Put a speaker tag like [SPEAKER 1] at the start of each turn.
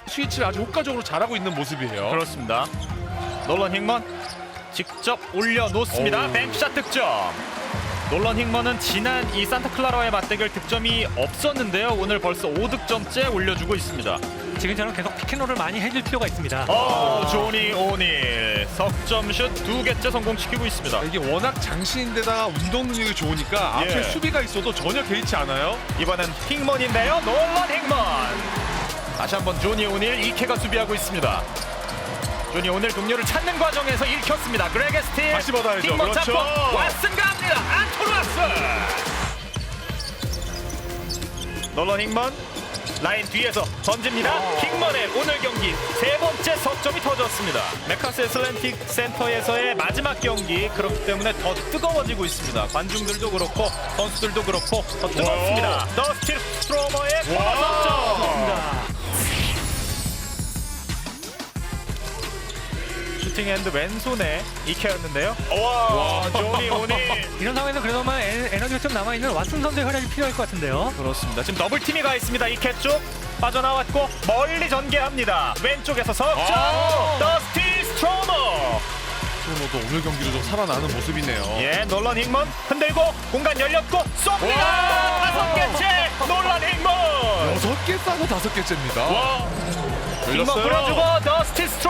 [SPEAKER 1] 스위치를 아주 효과적으로 잘하고 있는 모습이에요.
[SPEAKER 2] 그렇습니다. 놀런 힝먼 직접 올려놓습니다.
[SPEAKER 1] 오우.
[SPEAKER 2] 뱅크샷 득점. 놀런 힝먼은 지난 이 산타클라라와의 맞대결 득점이 없었는데요. 오늘 벌써 5득점째 올려주고 있습니다.
[SPEAKER 3] 지금처럼 계속 피켓롤을 많이 해줄 필요가 있습니다.
[SPEAKER 2] 조니 오닐 석점슛 2개째 성공시키고 있습니다.
[SPEAKER 1] 이게 워낙 장신인데다가 운동 능력이 좋으니까
[SPEAKER 2] 예.
[SPEAKER 1] 앞에 수비가 있어도 전혀 개의치 않아요.
[SPEAKER 2] 이번엔 힝먼인데요. 놀런 힝먼. 다시 한번 조니 오닐 2캐가 수비하고 있습니다. 조니 오닐 동료를 찾는 과정에서 읽혔습니다. 그레게 스틸.
[SPEAKER 1] 다시 받아야죠.
[SPEAKER 2] 힝먼
[SPEAKER 1] 그렇죠.
[SPEAKER 2] 잡고 왓슨 갑니다. 안토르 왓슨. 놀런 힝먼 라인 뒤에서 던집니다. 킹먼의 오늘 경기 세 번째 석점이 터졌습니다. 메카스 애슬랜틱 센터에서의 마지막 경기, 그렇기 때문에 더 뜨거워지고 있습니다. 관중들도 그렇고 선수들도 그렇고 더 뜨겁습니다. 더스틴 스트로머의 코너 석점. 슈팅핸드 왼손에 이케였는데요. 와, 조니 오닐.
[SPEAKER 3] 이런 상황에서 그래도만 에너지가 좀 남아있는 왓슨 선수의 활약이 필요할 것 같은데요.
[SPEAKER 2] 그렇습니다. 지금 더블팀이 가 있습니다. 이케 쪽 빠져나왔고 멀리 전개합니다. 왼쪽에서 석점. 더스티 스트로머.
[SPEAKER 1] 스트로머도 오늘 경기로 좀 살아나는 모습이네요.
[SPEAKER 2] 예, 놀런 힝먼 흔들고 공간 열렸고 쏩니다.
[SPEAKER 1] 와.
[SPEAKER 2] 5개째 놀런 힝먼.
[SPEAKER 1] 6개 싸고 5개째입니다.
[SPEAKER 2] 힝먼 불어주고 더스티 스트로머.